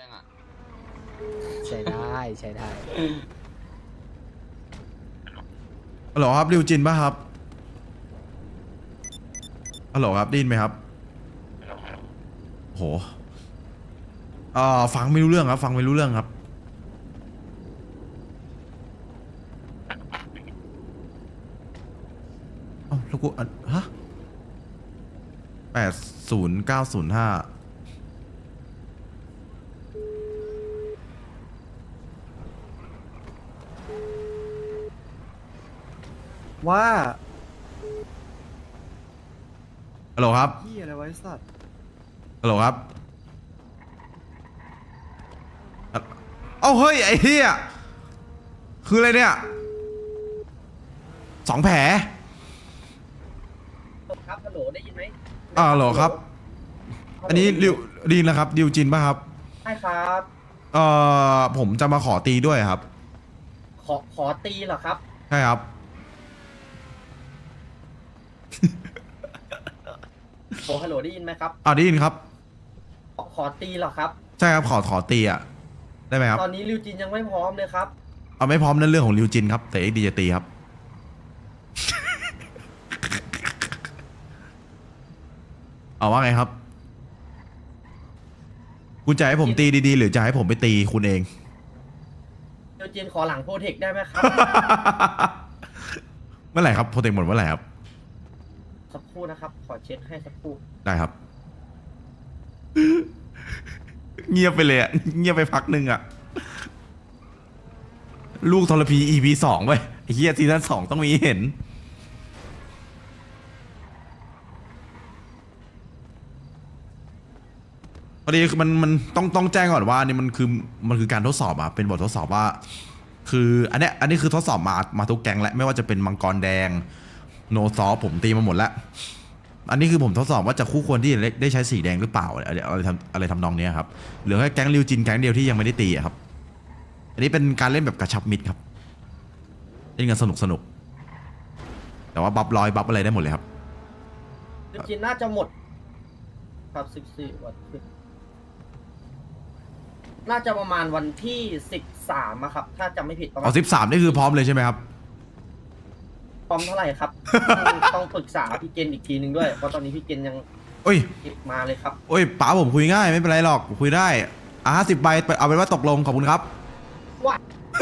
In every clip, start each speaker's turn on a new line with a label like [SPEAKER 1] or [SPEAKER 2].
[SPEAKER 1] งอ่ะ
[SPEAKER 2] ใช้ได้ใช้ได้
[SPEAKER 3] ฮัลโหลครับริวจินป่ะครับฮัลโหลครับได้ยินไหมครับโหฟังไม่รู้เรื่องครับฟังไม่รู้เรื่องครับเอ้าแล้วกูฮะ80905
[SPEAKER 4] ว่า
[SPEAKER 3] ฮัลโหลครับ
[SPEAKER 4] พี่อะไรไว้สัตว์
[SPEAKER 3] ฮัลโหลครับเอ้าเฮ้ยไอ้เหี้ยคืออะไรเนี่ย2 แผล
[SPEAKER 5] ครับฮัลโหลได้ยินไหม
[SPEAKER 3] ฮัลโหลครับอันนี้ริวดีนนะครับริวจินป่ะครับ
[SPEAKER 5] ใช่ครับ
[SPEAKER 3] ผมจะมาขอตีด้วยครับ
[SPEAKER 5] ขอตีเหรอครับ
[SPEAKER 3] ใช่ครับ
[SPEAKER 5] โอ้ฮัลโหลได้ยินไหมครับ
[SPEAKER 3] ได้ยินครับ
[SPEAKER 5] ขอตีเหรอครับ
[SPEAKER 3] ใช่ครับขอตีอ่ะได้ไหมครับ
[SPEAKER 5] ตอนนี้ริวจินยังไม่พร้อมเลยครับ
[SPEAKER 3] เอาไม่พร้อมนั่นเรื่องของริวจินครับแต่เอ็กดีจะตีครับ เอาว่าไงครับคุณจะให้ผมตีดีๆหรือจะให้ผมไปตีคุณเอง
[SPEAKER 5] ริวจินขอหลังโปรเทคได้ไหมครับ
[SPEAKER 3] เมื่อไหร่ครับโปรเทคหมดเมื่อไหร่ครับ
[SPEAKER 5] สักครู่นะครับ ขอเช็คให้สักครู่
[SPEAKER 3] ได้ครับ เงียบไปเลยอ่ะเงียบไปพักหนึ่งอ่ะลูกทรพี EP 2ไปไอ้เหี้ยซีซั่น2ต้องมีเห็นพอดีคือมันต้องแจ้งก่อนว่านี่มันคือการทดสอบอ่ะเป็นบททดสอบว่า คืออันนี้คือทดสอบมาทุกแก๊งแล้วไม่ว่าจะเป็นมังกรแดงโนซอฟผมตีมาหมดแล้วอันนี้คือผมทดสอบว่าจะคู่ควรที่จะได้ใช้สีแดงหรือเปล่าอะไรทำนองนี้ครับเหลือแค่แก๊งริวจินแก๊งเดียวที่ยังไม่ได้ตีอะครับอันนี้เป็นการเล่นแบบกระชับมิตรครับเล่นกันสนุกแต่ว่าบัฟร้อยบัฟอะไรได้หมดเลยครับ
[SPEAKER 5] ริวจินน่าจะหมด ครับ14วันน่าจะประมาณวันที่13อะครับ ถ้าจำไม่ผิดประมาณ
[SPEAKER 3] 13นี่คือพร้อมเลยใช่ไหมครับ
[SPEAKER 5] พร้อมเท่าไหร่ครับ ต้องปรึกษาพี่เกณฑ์อีกทีนึงด้วย เพราะตอนนี้พี่เกณฑ์ยัง
[SPEAKER 3] โอ้ย
[SPEAKER 5] เก็บมาเลยครับ
[SPEAKER 3] โอ้ยป๋าผมคุยง่ายไม่เป็นไรหรอกคุยได้50 ใบเอาเป็นว่าตกลงขอบคุณครับ
[SPEAKER 5] ว่า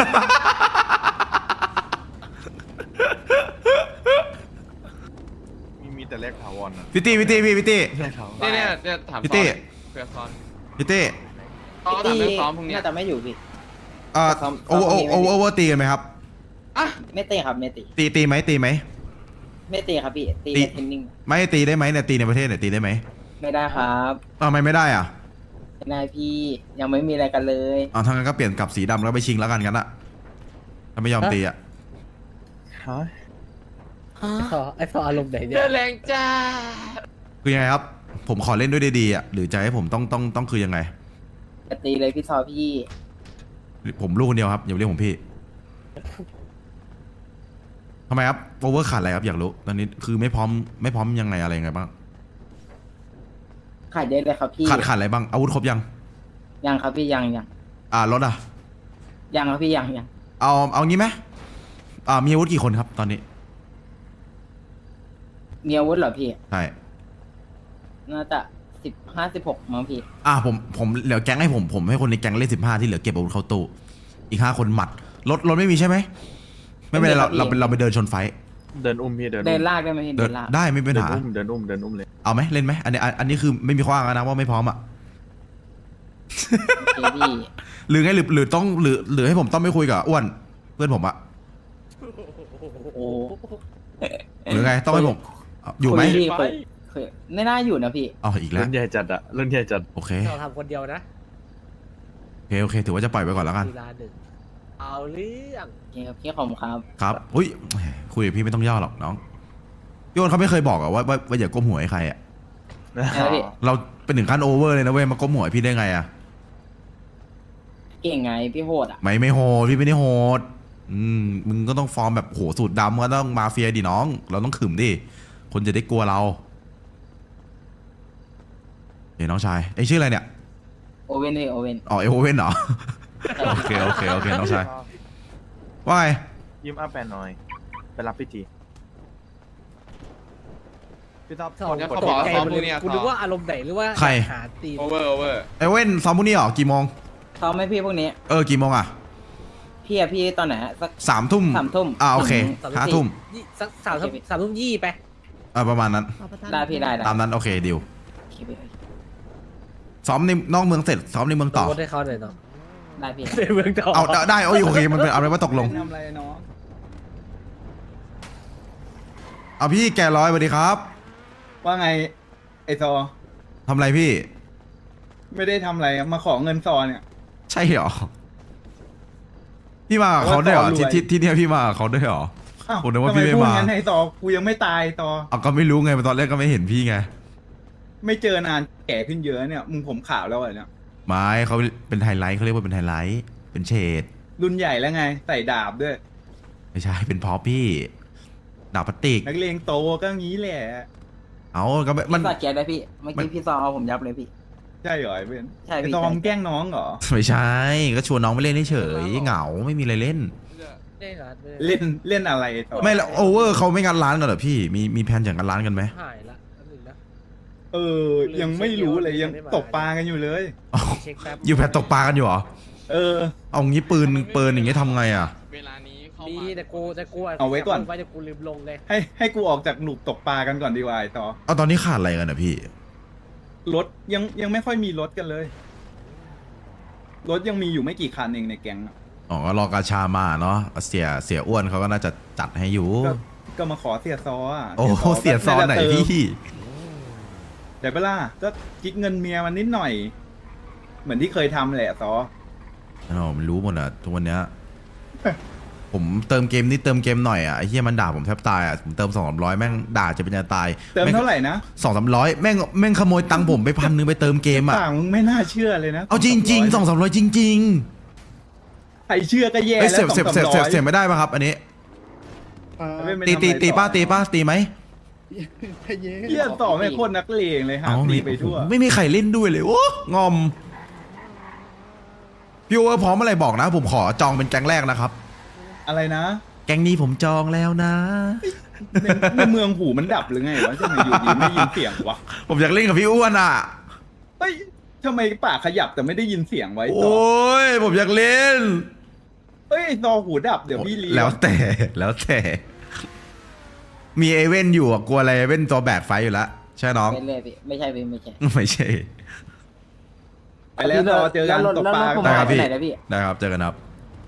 [SPEAKER 6] มีแต่เลขถาวรนะ
[SPEAKER 3] พี่ตี้
[SPEAKER 6] เลขถาวร
[SPEAKER 1] เนี่ยถาม
[SPEAKER 3] พี่ตี้
[SPEAKER 1] เพื่อซ้อน
[SPEAKER 3] พี่ตี้
[SPEAKER 1] เขาถามเรื่องซ้อมพรุ่งนี้
[SPEAKER 7] น่าจะไม่อยู่พี่ ซ้อม
[SPEAKER 3] โอเวอร์ตีกันไหมครับ
[SPEAKER 1] อ่ะ
[SPEAKER 7] ไม่ตีครับไม่ตี
[SPEAKER 3] ตีไหม
[SPEAKER 7] ไม่ตีครับพี่ตี
[SPEAKER 3] ตี
[SPEAKER 7] ในเทนนิ่ง
[SPEAKER 3] ไม่ตีได้ไหมเนี่ยตีในประเทศเนี่ยตีได้ไหม
[SPEAKER 7] ไม่ได้ครับ
[SPEAKER 3] ทำไมไม่ได้อ่ะ
[SPEAKER 7] ไม่ได้พี่ยังไม่มีอะไรกันเลย
[SPEAKER 3] ทางนั้นก็เปลี่ยนกลับสีดำแล้วไปชิงแล้วกันอะถ้าไม่ยอมตีอ่ะ
[SPEAKER 6] ฮะ
[SPEAKER 2] ไอ้ฟออารมณ์ไหนเนี่
[SPEAKER 1] เดื
[SPEAKER 2] ย
[SPEAKER 1] อดแรงจ้า
[SPEAKER 3] คือยังไงครับ ผมขอเล่นด้วยดีๆอ่ะหรือจะให้ผมต้องคือยังไง
[SPEAKER 7] จะตีเลยพี่ซอพี่
[SPEAKER 3] ผมลูกคนเดียวครับอย่าเรียกผมพี่ทำไมครับโอเวอร์ขาดอะไรครับอยากรู้ตอนนี้คือไม่พร้อมยังไงอะไรยังไงบ้าง
[SPEAKER 7] ขายเยอะเลยครับพี่
[SPEAKER 3] ขาดอะไรบ้างอาวุธครบยัง
[SPEAKER 7] ยังครับพี่ยัง
[SPEAKER 3] รถอ่ะ
[SPEAKER 7] ยังครับพี่ยัง
[SPEAKER 3] เอางี้ไหมมีอาวุธกี่คนครับตอนนี้
[SPEAKER 7] มีอาวุธเหรอพี่
[SPEAKER 3] ใช่
[SPEAKER 7] น่าจะ15-16มั้งพี่
[SPEAKER 3] ผมเหลือแก๊งให้ผมให้คนในแก๊งเล่น15ที่เหลือเก็บอาวุธเข้าตู้อีก5 คนหมัดรถไม่มีใช่ไหมไม่เป็นไรเราไปเดินชนไฟ
[SPEAKER 6] เดินอุ้มพี่เดิน
[SPEAKER 7] เดิ
[SPEAKER 6] อุ้
[SPEAKER 7] น
[SPEAKER 6] ม
[SPEAKER 7] ลากได้ไหมพี่
[SPEAKER 3] เดิ
[SPEAKER 7] เดิ
[SPEAKER 3] น
[SPEAKER 7] นลาก
[SPEAKER 3] ได้ไม่เป็น
[SPEAKER 6] เดิ
[SPEAKER 3] ปัญ
[SPEAKER 6] น
[SPEAKER 3] หา
[SPEAKER 6] อุ้มเดินอุ้มเดินอุ้มเลย
[SPEAKER 3] เอาไหมเล่นไหมอันนี้คือไม่มีข้ออ้างนะว่าไม่พร้อมอ่ะ
[SPEAKER 7] โอเคพี่
[SPEAKER 3] หรือไงหรือต้องหรือให้ผมต้องไม่คุยกับอ้วนเพื่อนผมอะ
[SPEAKER 7] โอ้
[SPEAKER 3] หรือไงต้องให้ผมอยู่ไหม
[SPEAKER 7] คุพี่คุยไม่น่าอยู่นะพี่
[SPEAKER 3] อีกแล้ว
[SPEAKER 6] เรื่องใหญ่จัดอะเรื่องใหญ่จัด
[SPEAKER 3] โอเค
[SPEAKER 2] เราทำคนเดียวนะ
[SPEAKER 3] โอเคถือว่าจะปล่อยไปก่อนแล้วกัน
[SPEAKER 2] เวลาหนึ่งเอาเรื่อง
[SPEAKER 7] โอเคครับพี่ขอบคุณครับ
[SPEAKER 3] ครับอุ้ยคุยกับพี่ไม่ต้องย่อหรอกน้องพี่อ้วนเขาไม่เคยบอกอะว่าอย่าก้มหัวให้ใครอะ
[SPEAKER 7] แล้วพี่
[SPEAKER 3] เราเป็นถึงขั้นโอเวอร์เลยนะเว้ยมาก้มหัวให้พี่ได้ไงอะ
[SPEAKER 7] เก่งไงพี่โหดอ่ะ
[SPEAKER 3] ไม่โหดพี่ไม่ได้โหดมึงก็ต้องฟอร์มแบบโหสูตรดำก็ต้องมาเฟียดิน้อง เราต้องขึมดิคนจะได้กลัวเราเฮ้ยน้องชายไอ้ชื่ออะไรเนี่ย
[SPEAKER 7] โอเว่นเลยโอเว่น
[SPEAKER 3] อ๋อเอโอเว่นเหรอ โอเคโอเคโอเคน้องชายว่าไง
[SPEAKER 6] ยิ้มอัพแปนหน่อย ไปรับพี่ทีพี่ท็อป
[SPEAKER 2] สอง
[SPEAKER 1] เดี๋ยว
[SPEAKER 2] ต
[SPEAKER 1] เขา
[SPEAKER 2] ก
[SPEAKER 1] บอกว่า
[SPEAKER 2] ใจ
[SPEAKER 1] ซ้อม
[SPEAKER 2] หมด
[SPEAKER 1] พรุ่
[SPEAKER 2] เล
[SPEAKER 1] งนี้
[SPEAKER 2] ย
[SPEAKER 1] อะ
[SPEAKER 2] กูนึกว่าอารมณ์ไหนหรือว่า
[SPEAKER 3] ใคร
[SPEAKER 2] หาตีน
[SPEAKER 1] โอเวอร์โอเวอร์
[SPEAKER 3] เอเว่นซอมบุนี่เหรอกี่โมง
[SPEAKER 7] ซ้อมไหมพี่พวกนี้
[SPEAKER 3] กี่โมงอ่ะ
[SPEAKER 7] พี่ตอนไหนฮะสัก
[SPEAKER 3] 3 ทุ่ม
[SPEAKER 7] 3 ทุ่ม
[SPEAKER 3] โอเค
[SPEAKER 7] ถึง
[SPEAKER 3] 5 ทุ่ม
[SPEAKER 2] ยี่สัก3 ทุ่มยี่ไป
[SPEAKER 3] ประมาณนั้น
[SPEAKER 7] ได้พี่ได้
[SPEAKER 3] ตามนั้นโอเคดิว
[SPEAKER 7] โอเคพี่
[SPEAKER 3] ซ้อมในนอกเมืองเสร็จซ้อมในเมืองต่อ
[SPEAKER 2] รถให้เขาหน่อยเนาะ
[SPEAKER 7] ได้พี่
[SPEAKER 2] ในเมืองต่อ
[SPEAKER 3] เอาได้โอเคมันเป็นเอาเป็นว่าตกลง
[SPEAKER 8] ทำอะไรน้อง
[SPEAKER 3] เอาพี่แกร้อยสวัสดีครับ
[SPEAKER 8] ว่าไงไอซอ
[SPEAKER 3] ทำอะไรพี่
[SPEAKER 8] ไม่ได้ทำอะไรมาขอเงินซอเนี่ย
[SPEAKER 3] ใช่เหรอพี่มากับเขาได้วยเหรอ
[SPEAKER 8] ว่าต่อรวย
[SPEAKER 3] ที่เนี่ยพี่มากับเขาได้วยเหรอ
[SPEAKER 8] อ้าว
[SPEAKER 3] ผมนึกว่า
[SPEAKER 8] ทำไม
[SPEAKER 3] พี่ไม่
[SPEAKER 8] พูด
[SPEAKER 3] มา
[SPEAKER 8] งั้นให้ซอกูยังไม่ตายซอ
[SPEAKER 3] เอาก็ไม่รู้ไงตอนแรกก็ไม่เห็นพี่ไง
[SPEAKER 8] ไม่เจอนานแก่ขึ้นเยอะเนี่ยมึงผมขาวแล้วเหรอเนี่ย
[SPEAKER 3] ไม่เขาเป็นไฮไลท์เขาเรียกว่าเป็นไฮไลท์เป็นเฉด
[SPEAKER 8] รุ่นใหญ่แล้วไงใส่ดาบด้วย
[SPEAKER 3] ไม่ใช่เป็นพอพี่ดาบพลาสติก
[SPEAKER 8] นักเลงโตก็งี้แหละ
[SPEAKER 3] เอาก็ไม่มัน
[SPEAKER 7] พี่สอดเกียร์ได้พี่เมื่อกี้พี่ซอเอาผมยับเลยพี่
[SPEAKER 8] ใช่เหรอไอ้เบน
[SPEAKER 7] ใช่
[SPEAKER 8] ไอ
[SPEAKER 7] พี่
[SPEAKER 8] ซอมงแกล้งน้องเหรอ
[SPEAKER 3] ไม่ใช่ก็ชวนน้องไปเล่นเฉยๆเหงาไม่มีอะไรเล่น
[SPEAKER 2] ได้เหรอ
[SPEAKER 8] เล่นอะไรซอ
[SPEAKER 3] ไม่แล้วโอเวอร์เขาไม่งัดร้านกันเหรอพี่มีแผนจะงัดร้านกันไหม
[SPEAKER 2] หายละแป๊บนึงนะ
[SPEAKER 8] เออ ยังไม่รู้เลยยังตกปลากันอยู่เลย
[SPEAKER 3] อ๋อ
[SPEAKER 2] เช็คแป๊บ
[SPEAKER 3] อยู่แพนตกปลากันอยู่เหรอ
[SPEAKER 8] เออ
[SPEAKER 3] เอางี้ปืนอย่างงี้ทำไงอ่ะ
[SPEAKER 1] เวลานี้เข้า
[SPEAKER 2] มี
[SPEAKER 1] มา
[SPEAKER 2] แต่กู
[SPEAKER 8] เอาไว้ก่อน
[SPEAKER 2] ไว้แต่กูลืมลงเลย
[SPEAKER 8] ให้กูออกจากหลุมตกปลากันก่อนดีกว่าไอ้ซอ
[SPEAKER 3] เอาตอนนี้ขาดอะไรกันอ่ะพี่
[SPEAKER 8] รถยังไม่ค่อยมีรถกันเลย รถยังมีอยู่ไม่กี่คันเองในแก๊งอะ
[SPEAKER 3] อ๋อก็รอกาชามาเนาะเสียอ้วนเขาก็น่าจะจัดให้อยู่
[SPEAKER 8] ก็มาขอเสียซออ่ะ
[SPEAKER 3] โอ้เสียซอนไหนพี่
[SPEAKER 8] เดี๋ยวเวลาก็คิดเงินเมียมันนิดหน่อย เหมือนที่เคยทำแหละซอ
[SPEAKER 3] อ๋อมันรู้หมดอ่ะทุกวันเนี้ย ผมเติมเกมนิดเติมเกมหน่อยอ่ะไอ้เหี้ยมันด่าผมแทบตายอ่ะผมเติม200แม่งด่าจะเป็นจะตาย
[SPEAKER 8] เติมเท่าไหร่นะ
[SPEAKER 3] 200-300แม่งขโมยตังค์ผมไป1,000ไปเติมเกมอ่ะ
[SPEAKER 8] ต่างมึงไม่น่าเชื่อเลยนะ
[SPEAKER 3] เอาจริงๆ200-300จริง
[SPEAKER 8] ใครเชื่อก็แย่
[SPEAKER 3] ๆเอ้ย
[SPEAKER 8] แล้ว
[SPEAKER 3] เสียไม่ได้ป่ะครับ อันนี้ ตีป้าตีไหม
[SPEAKER 8] เยี่ยต่อไม่โคตรนักเลงเลยฮะตีไปทั่ว
[SPEAKER 3] ไม่มีใครเล่นด้วยเลยโอ้งอมพี่โอเวอร์พร้อมเมื่อไหร่บอกนะ ผมขอจองเป็นแก๊งแรกนะครับ
[SPEAKER 8] อะไรนะ
[SPEAKER 3] แก๊งนี้ผมจองแล้วนะ
[SPEAKER 8] ในเมืองหูมันดับหรือไงวะทำไมอยู่ดีไม่ยินเสียงวะ
[SPEAKER 3] ผมอยากเล่นกับพี่อ้วนอ่ะ
[SPEAKER 8] เฮ้ยทำไมปากขยับแต่ไม่ได้ยินเสียงไว้
[SPEAKER 3] โอ
[SPEAKER 8] ต่อ้
[SPEAKER 3] ยผมอยากเล่น
[SPEAKER 8] เฮ้ยซอหูดับเดี๋ยวพี่เลี้ยง
[SPEAKER 3] แล้วแต่มีเอเว่นอยู่อะกลัวอะไรเอเว่นตัวแบกไฟอยู่แล้วใช่น้อง
[SPEAKER 7] เป็นเลยพี่ไม่ใช่พี่ไม่ใช่
[SPEAKER 3] ไม่ใช่
[SPEAKER 8] ไปแล้วซอเจอกันตกปลา
[SPEAKER 7] แล้วรถผม
[SPEAKER 3] ได้
[SPEAKER 7] หา
[SPEAKER 3] ครั
[SPEAKER 7] ย
[SPEAKER 3] บ
[SPEAKER 7] ไป
[SPEAKER 3] พี่
[SPEAKER 7] ไหนนะพี่
[SPEAKER 3] ได้ครับเจอกันครับ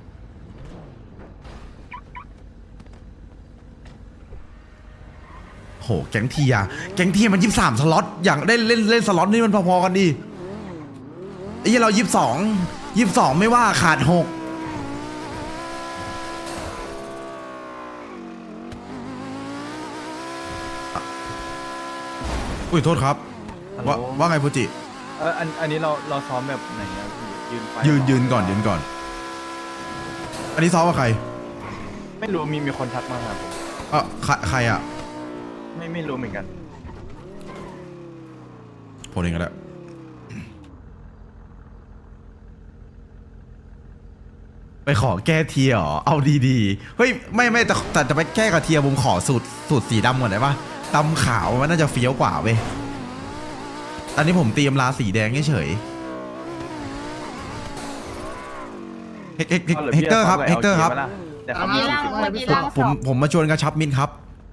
[SPEAKER 3] โหแก๊งเทียมัน23สล็อตอย่างได้เล่นสล็อตนี่มันพอๆกันดิไอ้เหี้ยเรา22ไม่ว่าขาด6อุ้ยโทษครับว่าไงฟูจิ
[SPEAKER 6] อันนี้เราซ้อมแบบไหนอะพี่ยืนไฟ
[SPEAKER 3] ยืนก่อนอันนี้ซ้อมกับใคร
[SPEAKER 6] ไม่รู้มีคนทักมาครับผม
[SPEAKER 3] ใครอ่ะ
[SPEAKER 6] ไม่รู้เหมือนกัน
[SPEAKER 3] ผมเองก็ได้ไปขอแก้เทียร์เหรอเอาดีๆเฮ้ยไม่แต่จะไปแก้กับเทียร์ผมขอสูตรสีดำก่อนได้ปะดำขาวมันน่าจะเฟี้ยวกว่าเว้ยตอนนี้ผมเตรียมลาสีแดงเฉยเฮกเตอร์ครับ
[SPEAKER 6] แต่เขามี40
[SPEAKER 3] ผมมาชวนกระชับมินครับ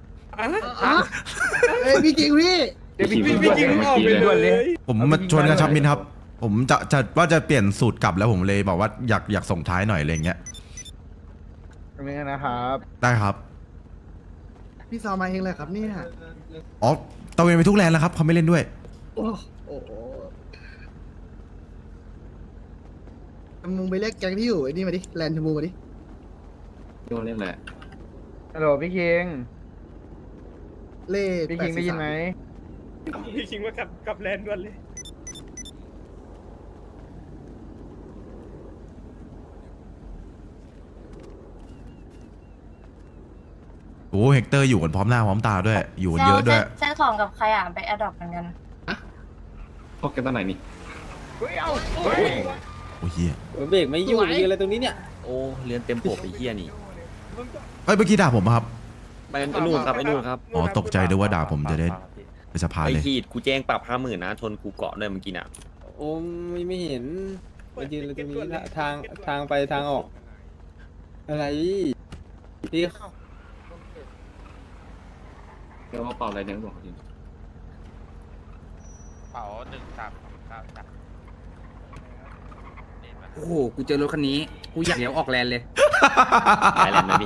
[SPEAKER 4] เอ้ยพี่จริงพี่
[SPEAKER 1] พี่จริงออกไปเลย
[SPEAKER 3] ผมมาชวนกระชับมินครับ ผมจะว่าจะเปลี่ยนสูตรกลับแล้วผมเลยบอกว่าอยากส่งท้ายหน่อยอะไรเงี้ย
[SPEAKER 4] ไม่งั้นนะครับ
[SPEAKER 3] ได้ครับ
[SPEAKER 4] พี่ซอมาเองเลยครับเนี่ย
[SPEAKER 3] อ๋อตะเวนไปทุกแลนด์แล้วครับเขาไม่เล่นด้วย
[SPEAKER 4] โอ้โหมึงไปเรียกแก๊งที่อยู่ไอ้นี่มาดิแลนด์ชมพูมาดิ
[SPEAKER 1] โดนเล่นแหละ
[SPEAKER 9] ฮัลโหลพี่คิง
[SPEAKER 4] เล่
[SPEAKER 9] พี่คิงได้ยินไหม
[SPEAKER 1] พี่คิงว่ากับแลนด์ด้วยเลย
[SPEAKER 3] โอ้เฮกเตอร์อยู่กันพร้อมหน้าพร้อมตาด้วย อยู่กันเยอะด้วย
[SPEAKER 10] เซ็นของกับใครอ่ะไปแอดดอปเหมือนกัน
[SPEAKER 1] พบกันตอนไหนนี่
[SPEAKER 3] โอ้ยเฮีย
[SPEAKER 7] เบรกไม่อยู่ยืนอะไรตรงนี้เนี่ย
[SPEAKER 6] โอ้เรียนเต็มปกไอ้เหี้ยนี่
[SPEAKER 3] เฮ้ยเมื่อกี้ด่าผมปะครับ
[SPEAKER 6] ไปไอ้นู่นครับไอ้นู่นครับ
[SPEAKER 3] อ๋อตกใจด้วยว่าด่าผมจะได้ไปสภา
[SPEAKER 6] ไอ้
[SPEAKER 3] เลย
[SPEAKER 6] ขีดกูแจ้งปรับ50,000นะชนกูเกาะด้วยเมื่อกี้น่ะ
[SPEAKER 7] โอ้ไม่เห็นมายืนอะไรตรงนี้ทางไปทางออก อะไรพี่
[SPEAKER 1] เดี๋ยวว่าเป่าอะไรเนี่ยบอกจริง
[SPEAKER 7] โอ้โหกูเจอรถคันนี้กูอยากเลี้ยวออกแลนเลย
[SPEAKER 6] ไปแล้วนะพี่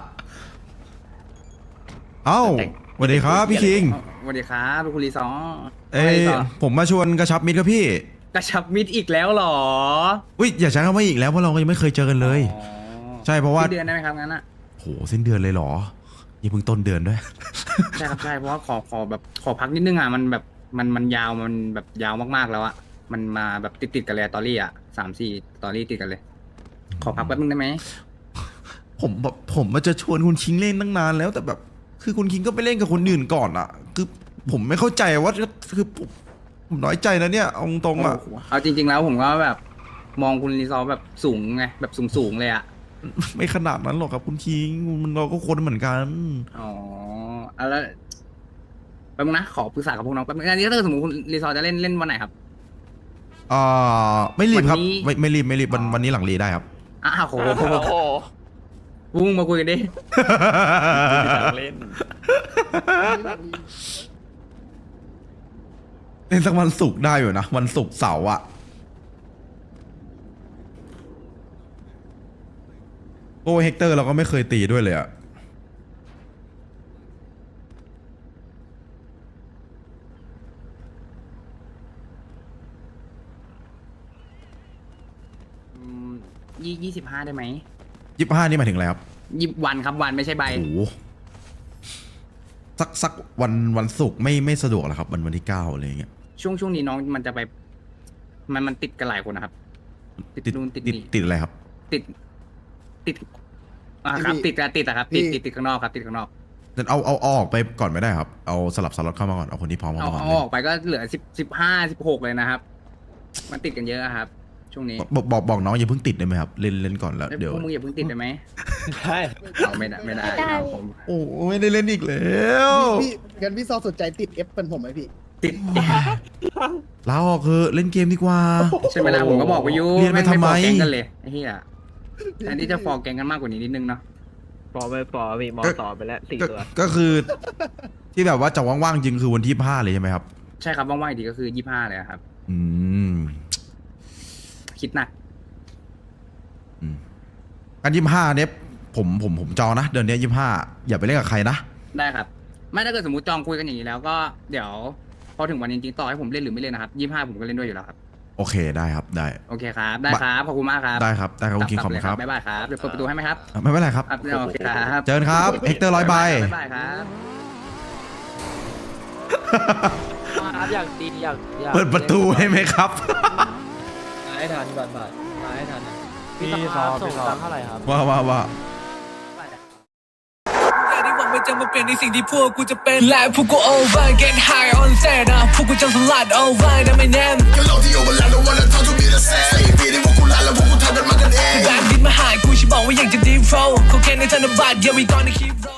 [SPEAKER 3] เอ้าสวัสดีครับพี่คิง
[SPEAKER 7] สวัสดีครับลูกคุณรีซอ
[SPEAKER 3] เอ้ยผมมาชวนกระชับมิตรครับพี่
[SPEAKER 7] กระชับมิตรอีกแล้วเหรอ
[SPEAKER 3] อุ้ยอย่าใช้คำว่าอีกแล้วเพราะเราก็ยังไม่เคยเจอกันเลย
[SPEAKER 7] อ๋อ
[SPEAKER 3] ใช่เพราะว่า
[SPEAKER 7] สิ้นเดือนได้ไหมครับงั้นอะ
[SPEAKER 3] โหสิ้นเดือนเลยเหรอนี่เพิ่งต้นเดือนด้วย
[SPEAKER 7] ใช่ครับใช่เพราะว่าขอแบบขอพักนิดนึงอ่ะมันแบบมันยาวมันแบบยาวมากๆแล้วอ่ะมันมาแบบติดกันเลยตอรี่อ่ะ3-4ตอรี่ติดกันเลย ขอพักแป๊บนึงได้ไหม
[SPEAKER 3] ผมมาจะชวนคุณคิงเล่นตั้งนานแล้วแต่แบบ คือคุณคิงก็ไปเล่นกับคนอื่นก่อนอ่ะ คือผมไม่เข้าใจว่าคือผมน้อยใจนะเนี่ยเอาตรงๆอ่ะ
[SPEAKER 7] เอาจริง ๆ แล้วผมก็แบบมองคุณรีซอร์แบบสูงไงแบบสูงเลยอ่ะ
[SPEAKER 3] ไม่ขนาดนั้นหรอกครับคุณคิงมันเราก็คนเหมือนกัน
[SPEAKER 7] อ๋อเอาแล้วแป๊บนึงนะขอปรึกษากับพวกน้องแป๊บนึงอันนี้ถ้าเกิดสมมติคุณรีซอร์จะเล่นวันไหนครับ
[SPEAKER 3] ไม่รีบครับ
[SPEAKER 7] วันนี้
[SPEAKER 3] ไม่รีบวันนี้หลังรีได้ครับ
[SPEAKER 7] อ้าวโหวุ้งมาคุยกันดิ
[SPEAKER 6] เล่น
[SPEAKER 3] เล่นสักวันศุกร์ได้อยู่นะวันศุกร์เสาร์อะโอ้เฮกเตอร์เราก็ไม่เคยตีด้วยเลยอะ
[SPEAKER 7] 25ได้ไหม
[SPEAKER 3] 25นี่หมายถึงอะไรครับ
[SPEAKER 7] วันครับวันไม่ใช่ใบ
[SPEAKER 3] โอ้โหสักวันศุกร์ไม่สะดวกหรอครับวันที่9อะไรอย่างเงี้ย
[SPEAKER 7] ช่วงนี้น้องมันจะไปมันติดกันหลายคนนะครับ ติดนู่นติดนี่
[SPEAKER 3] ติดอะไรครับ
[SPEAKER 7] ติดครับติดอะครับติดข้างนอกครับติดข้างนอก
[SPEAKER 3] แต่เอาออกไปก่อนไม่ได้ครับเอาสลับสล็อตเข้ามาก่อนเอาคนที่พร้อมเข้า
[SPEAKER 7] เอา
[SPEAKER 3] มาก่อน
[SPEAKER 7] เอา
[SPEAKER 3] เลย
[SPEAKER 7] ออกไปก็เหลือ15-16เลยนะครับ มันติดกันเยอะครับ ช่วงนี้
[SPEAKER 3] บอกน้องอย่าเพิ่งติดได้ไหมครับเล่นก่อนแล้วเดี๋ยว
[SPEAKER 7] พวกมึงอย่าเพิ่งติดได้ไหม
[SPEAKER 6] ใช่
[SPEAKER 7] เอาไม่ได้ครับผม
[SPEAKER 3] โอ้ไม่ได้เล่นอีกแล้ว
[SPEAKER 4] พี่งั้นพี่ซอสนใจติด F เป็นผมไหมพี่
[SPEAKER 7] ติด
[SPEAKER 3] ลาออกเถอะเล่นเกมดีกว่า
[SPEAKER 7] ใช่ไหมล่ะผมก็บอกไปอยู่
[SPEAKER 3] เรียนไปทำไม
[SPEAKER 7] ฟอร์แกงกันเลยไอ้เหี้ยแทนที่จะฟอร์แกงกันมากกว่านี้นิดนึงเนาะ
[SPEAKER 2] ปอไปปอพี่มอต่อไปแล้ว4 ตัว
[SPEAKER 3] ก็คือ ที่แบบว่าจะว่างๆจริงคือวันที่25เลยใช่ไหมครับ
[SPEAKER 7] ใช่ครับว่างๆอีกทีก็คือ25เลยครับ
[SPEAKER 3] อืม
[SPEAKER 7] คิดหนัก
[SPEAKER 3] กัน25เนี่ยผมจองนะเดือนนี้25อย่าไปเล่นกับใครนะ
[SPEAKER 7] ได้ครับ ไม่ถ้าเกิดสมมติจองคุยกันอย่างนี้แล้วก็เดี๋ยวพอถึงวันจริงๆต่อให้ผมเล่นหรือไม่เล่นนะครับ25ผมก็เล่นด้วยอยู่แล้วครับ
[SPEAKER 3] โอเคได้ครับได้
[SPEAKER 7] โอเคครับได้ครับขอบคุณมากครับ
[SPEAKER 3] ได้ครับคุณคิงขอบคุณครับ
[SPEAKER 7] บ๊ายบายครับเดี๋ยวเปิดประตูให้ไหมครับ
[SPEAKER 3] ไม่เป็นไรครับ
[SPEAKER 7] ครับโอเคครับ
[SPEAKER 3] เจอกันครับเฮกเตอร์100 ใบ
[SPEAKER 7] บ๊ายบายครับ
[SPEAKER 2] อยากตีอยาก
[SPEAKER 3] เปิดประตูให้ไหมครับ
[SPEAKER 2] มาให้ทันก่อนผ่านมาให้ทัน
[SPEAKER 6] พี่ซอพี่ซอ
[SPEAKER 2] เท่าไหร่ครับ
[SPEAKER 3] ว่า
[SPEAKER 10] ที่หวังมันจะมาเปลี่ยนในสิ่งที่พวกกูจะเป็นและพวกกู over get high on set นะพวกกูจะสลัด over นะไม่แน่ก็เราที่ over แล้ว don't wanna talk to me the same ใส่ปีที่พวกกูลาแล้วพวกกูทำกันมากันเองแบบดินมาหายกูฉันบอกว่าอยากจะ deep flow เขาแค่ในธนบัตร yeah we gonna keep roll